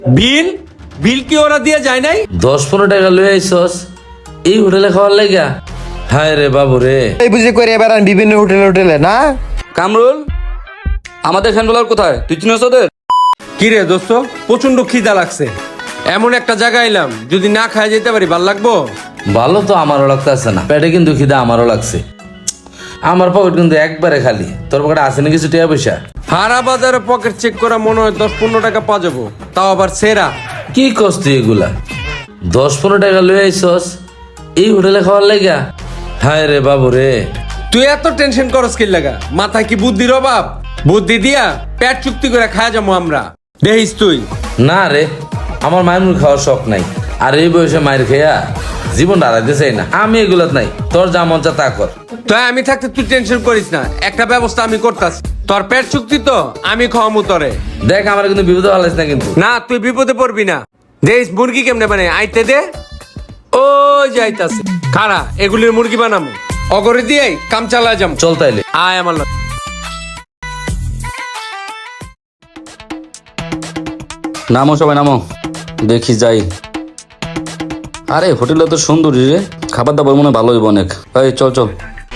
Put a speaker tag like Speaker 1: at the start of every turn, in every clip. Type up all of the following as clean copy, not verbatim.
Speaker 1: বিল বিল কি ওরা দিয়ে যায় নাই?
Speaker 2: 10-15 টাকা লয়ে আইছস এই হোটেলে খাওয়ার লাগা? হায় রে বাবু রে।
Speaker 3: এই বুঝে করে এবার বিভিন্ন হোটেলে না।
Speaker 4: কামরুল, আমাদের ফ্যানগুলোর কোথায়? তুই চিনিস ওদের?
Speaker 1: কি রে দোস্ত, প্রচন্ড খিদা লাগছে। এমন একটা জায়গায় এলাম, যদি না খাই যেতে পারি ভাল লাগবো?
Speaker 2: ভালো তো আমারও লাগতেছে না, পেটে কিন্তু খিদা আমারও লাগছে। আমার পকেট কিন্তু একবারে খালি। তোর পকেটে আছে না কিছু টাকা পয়সা?
Speaker 1: হারা বাজারে পকেট চেক করা মনে হয় 10-15 টাকা পাওয়া যাবো, তাও আবার সেরা।
Speaker 2: কি কস তুই এগুলা? 10-15 টাকা লয়ে আইছস এই হোটেলে খাওয়ার লাগা? হায় রে বাবু রে।
Speaker 1: তুই এত টেনশন করস কি লাগা? মাথায় কি বুদ্ধির অভাব? বুদ্ধি দিয়া পেট চুক্তি করে খাওয়া যাবো আমরা, দেখিস তুই।
Speaker 2: না রে, আমার মায়ের মুখ খাওয়ার শখ নাই। আর এই বয়সে মায়ের খেয়া জীবনটা হারাইতে চাই না আমি। এগুলাত নাই, তোর যা মন চা তা কর।
Speaker 1: তাই আমি থাকতে তুই টেনশন করিস না, একটা ব্যবস্থা আমি করতাছি। তোর পেট চুক্তি তো আমি খাওয়ামু তরে।
Speaker 2: দেখ আমার কিন্তু বিপদে ভালাইস না কিন্তু।
Speaker 1: না, তুই বিপদে পড়বি না। দেখিস মুরগি কেমনে বানাই, আইতে দে। ও যাইতাছে খারা, এগুলির মুরগি বানামু। অগরে দিয়ে কাম চালা যাম।
Speaker 2: চল তাইলে।
Speaker 1: আয় আমার লগে।
Speaker 4: নামো সবাই নামো, দেখি যাই। আরে হোটেলটা তো সুন্দর রে, খাবার দাবার মনে হয় ভালো হইব অনেক। এই চল চল।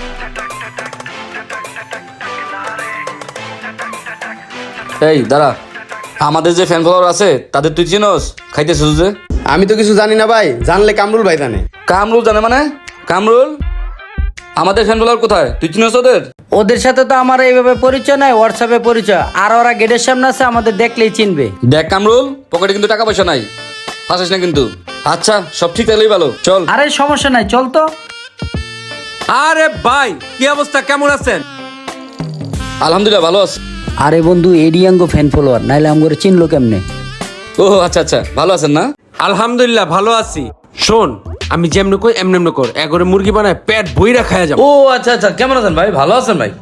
Speaker 4: এই দাঁড়া, আমাদের যে ফ্যান ফলোয়ার আছে তাদের তুই চিনোস? খাইতেছিস যে?
Speaker 3: আমি তো কিছু জানি না ভাই, জানলে কামরুল ভাই জানে।
Speaker 4: কামরুল জানে মানে? কামরুল, আমাদের ফ্যান ফলোয়ার কোথায়? তুই চিনোস ওদের?
Speaker 5: ওদের সাথে তো আমার এইভাবে পরিচয় নাই, হোয়াটসঅ্যাপে পরিচয়। আর ওরা গেটের সামনে আছে, আমাদের দেখলেই চিনবে।
Speaker 4: দেখ কামরুল, পকেটে কিন্তু টাকা পয়সা নাই, ফাঁসিস না কিন্তু। আচ্ছা সব ঠিক থাকলেই ভালো, চল।
Speaker 5: আরে সমস্যা নাই, চল তো।
Speaker 1: আরে ভাই, কি অবস্থা, কেমন আছেন?
Speaker 4: আলহামদুলিল্লাহ ভালো আছে।
Speaker 5: আরে বন্ধু, এডিয়াঙ্গো ফ্যান ফলোয়ার, নাইলে আমগরে চিনলো কেমনে?
Speaker 4: ও আচ্ছা আচ্ছা, ভালো আছেন না?
Speaker 1: আলহামদুলিল্লাহ ভালো আছি। শোন, আমি যেমনি কই এমনি কর, এগরে মুরগি বানায় পেট বইরা খাওয়া যাবো।
Speaker 2: ও আচ্ছা আচ্ছা, কেমন আছেন ভাই? ভালো আছেন ভাই?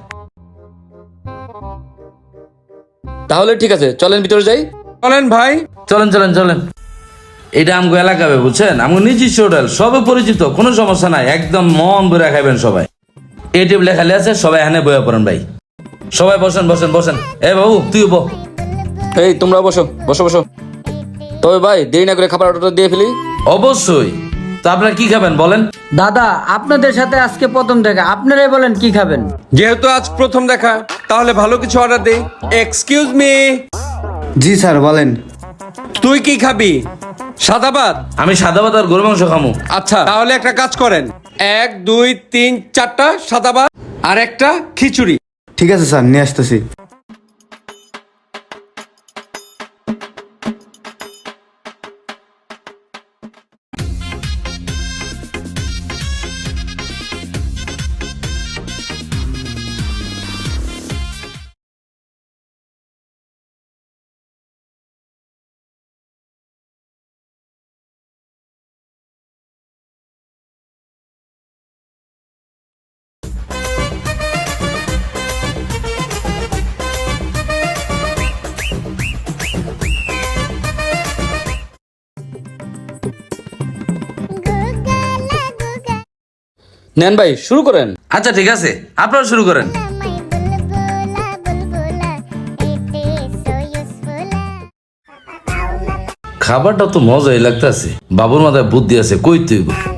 Speaker 4: তাহলে ঠিক আছে, চলেন ভিতরে যাই।
Speaker 1: বলেন ভাই।
Speaker 2: চলেন চলেন চলেন। এটা আমগো এলাকা বুঝছেন, আমগো নিজস্ব হোটেল, সবে পরিচিত, কোনো সমস্যা নাই। একদম মন ভরে খাইবেন সবাই। এই টেবিলে খালি আছে, সবাই এখানে বইয়া পড়েন ভাই। সবাই বসেন বসেন বসেন। এ বাবু তুই বো।
Speaker 4: এই তোমরা বসো বসো বসো। তবে ভাই দেরি না করে খাবার অর্ডারটা দিয়ে ফেলি।
Speaker 2: অবশ্যই। তো আপনারা কি খাবেন বলেন?
Speaker 5: দাদা, আপনাদের সাথে আজকে প্রথম দেখা, আপনারাই বলেন কি খাবেন।
Speaker 1: যেহেতু আজ প্রথম দেখা, তাহলে ভালো কিছু অর্ডার দেই। এক্সকিউজ মি,
Speaker 3: জি স্যার বলেন।
Speaker 1: তুই কি খাবি? সাদা ভাত?
Speaker 2: আমি সাদা ভাত আর গরু মাংস খামু।
Speaker 1: আচ্ছা তাহলে একটা কাজ করেন, 1 2 3 4টা সাদা ভাত আর একটা খিচুড়ি।
Speaker 3: ঠিক আছে স্যার, নিয়ে আসতেছি।
Speaker 4: নেন ভাই শুরু করেন।
Speaker 2: আচ্ছা ঠিক আছে, আপনারা শুরু করেন। খাবারটা তো মজাই লাগতেছে। বাবুর মাথায় বুদ্ধি আছে, কই তুই?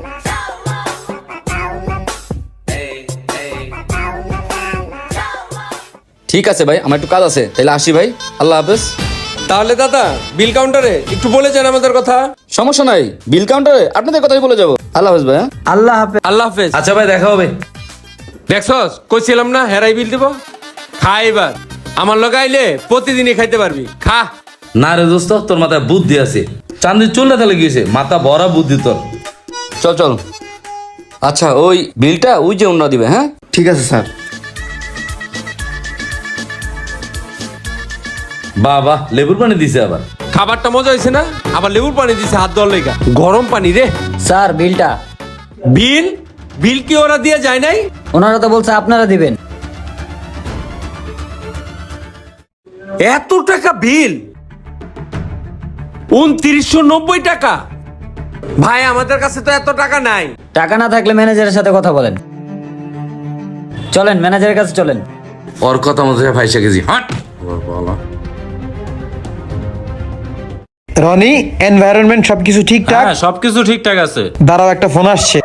Speaker 4: ঠিক আছে ভাই, আমার একটু কাজ আছে, তাহলে আসি ভাই, আল্লাহ হাফেজ।
Speaker 1: তাহলে দাদা, বিল কাউন্টারে একটু বলে যান আমাদের কথা।
Speaker 4: সমস্যা নাই, বিল কাউন্টারে আপনাদের কথাই বলে যাবো। আল্লাহ হাফেজ ভাই।
Speaker 5: আল্লাহ হাফেজ।
Speaker 1: আল্লাহ হাফেজ।
Speaker 2: আচ্ছা ভাই, দেখা হবে।
Speaker 1: দেখছস, কইছিলাম না হেরাই বিল দিব। খা এবার, আমার লগে আইলে প্রতিদিনই খাইতে পারবি, খা।
Speaker 2: না রে দোস্ত, তোর মাথায় বুদ্ধি আছে। চান্দির চুলটা তাহলে গিয়েছে, মাথা ভরা বুদ্ধি তোর।
Speaker 4: চল চল। আচ্ছা ওই বিলটা ওই যে অন্য দিবে। হ্যাঁ
Speaker 3: ঠিক আছে স্যার।
Speaker 2: বাবা, লেবুর পানি দিছে আবার।
Speaker 1: খাবারটা মজা হয়েছে না? আবার লেবুর পানি দিছে হাত ধোয়ার লেগা, গরম পানি রে।
Speaker 5: স্যার বিলটা।
Speaker 1: বিল বিল কি ওরা দিয়ে যায় নাই?
Speaker 5: ওনারা তো বলছে আপনারা দিবেন।
Speaker 1: এত টাকা বিল? 2990 টাকা? ভাই আমাদের কাছে তো এত টাকা নাই।
Speaker 5: টাকা না থাকলে ম্যানেজারের সাথে কথা বলেন। চলেন ম্যানেজারের কাছে চলেন।
Speaker 2: ওর কথা মতো ভাইসা গেছি। হাট।
Speaker 6: রনি এনভায়রনমেন্ট সবকিছু ঠিকঠাক?
Speaker 7: হ্যাঁ সবকিছু ঠিকঠাক আছে।
Speaker 6: দাঁড়াও, একটা ফোন আসছে।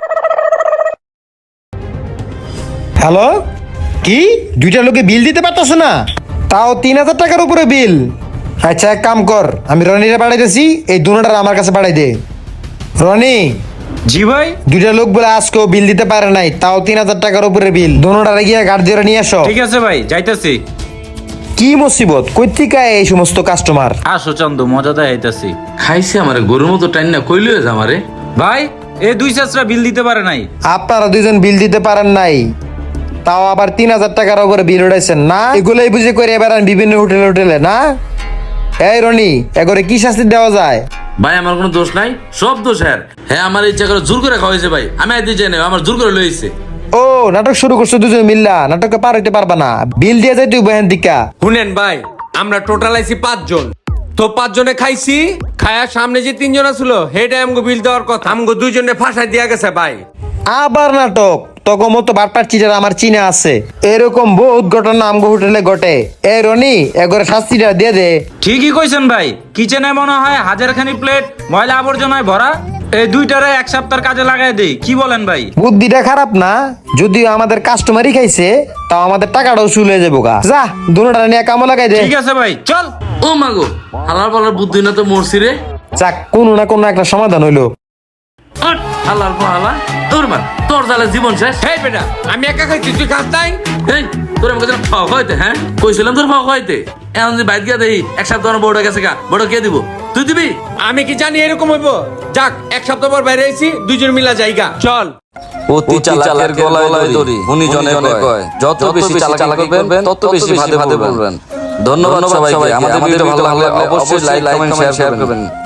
Speaker 6: হ্যালো, কি 2টা লোকে বিল দিতে পারতেছ না? তাও 3000 টাকার উপরে বিল? আচ্ছা এক কাম কর, আমি রনিরে পাঠাইতেছি, এই দুটার আমার কাছে পাঠাই দে। রনি,
Speaker 7: জি ভাই।
Speaker 6: 2টা লোক বলে আজকেও বিল দিতে পারে নাই, তাও 3000 টাকার উপরে বিল। দুটারে গিয়ে গার্ড দিয়ে নিয়ে আসো।
Speaker 7: ঠিক আছে ভাই, যাইতাছি।
Speaker 6: কি মুসিবত, কই থেকে আয় এই সমস্ত কাস্টমার?
Speaker 7: আসো চান্দু, মজা দেখাইতাছি।
Speaker 2: খাইছে আমারে গরুর মতো টাইন না কইলে আমারে।
Speaker 7: ভাই এই 2 চাচরা বিল দিতে পারে নাই।
Speaker 6: আপনারা দুইজন বিল দিতে পারেন নাই, তাও আবার 3000 টাকার উপরে বিল উঠাইছেন না? এগুলোই বুঝে করে বেড়ান বিভিন্ন হোটেলে হোটেলে না? এই রনি, এগরে কি শাস্তি দেওয়া যায়?
Speaker 2: ভাই আমার কোনো দোষ নাই, সব দোষ হ্যাঁ আমার ইচ্ছা করে জোর করে খাওয়াইছে ভাই, আমি আইতে চাই না, আমার জোর করে লইছে।
Speaker 6: ও নাটক শুরু করছো দুজন মিল্লা, নাটকে পার হইতে পারবা না, বিল দিয়ে যাই তুই বহেন দিকা।
Speaker 1: শুনেন ভাই, আমরা টোটাল আইছি 5 জন, তো 5 জনে খাইছি, খায়ার সামনে যে 3 জন ছিল হেডে আমগো বিল দেওয়ার কথা, আমগো 2 জনে ফাঁসাই দিয়া গেছে ভাই।
Speaker 6: আবার নাটক? তখন মতো বাটপার চিটার আমার চিনে আছে, এরকম বহুত ঘটনা আমগো হোটেলে ঘটে। এই রনি, এগরে শাস্তিটা দিয়ে দে।
Speaker 7: ঠিকই কইছেন ভাই, কিচেনে মনে হয় 1000খানি প্লেট ময়লা আবর্জনায় ভরা। এই 2টারে 1 সপ্তাহের কাজে লাগাই দেই, কি বলেন ভাই?
Speaker 6: বুদ্ধিটা খারাপ না, যদিও আমাদের কাস্টমারই খাইছে, তাও আমাদের টাকাটাও চলে যাবো গা। যা দুটা নিয়ে কামো লাগাই দে।
Speaker 7: ঠিক আছে ভাই, চল।
Speaker 2: ও মাগো, হালার পালার বুদ্ধি না তো মরছি রে।
Speaker 6: যাক, কোনো না কোনো একটা সমাধান হইলো।
Speaker 2: আট, হালার পালা তোর মার, তোর জালে জীবন শেষ।
Speaker 1: হেই বেটা, আমি একা খাইছি, তুই খাস নাই?
Speaker 2: এই তোর আমাকে যেন ফাও খাইতে, হ্যাঁ কইছিলাম তোর ফাও খাইতে। এখন যদি বাইক গিয়া দেই 1 সপ্তাহ বড় গেছে গা, বড় কে দিব? তুই দিবি?
Speaker 1: আমি কি জানি এরকম হইব? যাক, 1 সপ্তাহ পর বাইরে আইছি, 2 জন মিলা যাইগা, চল।
Speaker 4: অতি চালাকের গলায় দড়ি গুণীজনে কয়, যত বেশি চালাকি করবেন তত বেশি ভাদে পড়বেন। ধন্যবাদ সবাইকে। আমাদের ভিডিও ভালো লাগলে অবশ্যই লাইক কমেন্ট শেয়ার করবেন।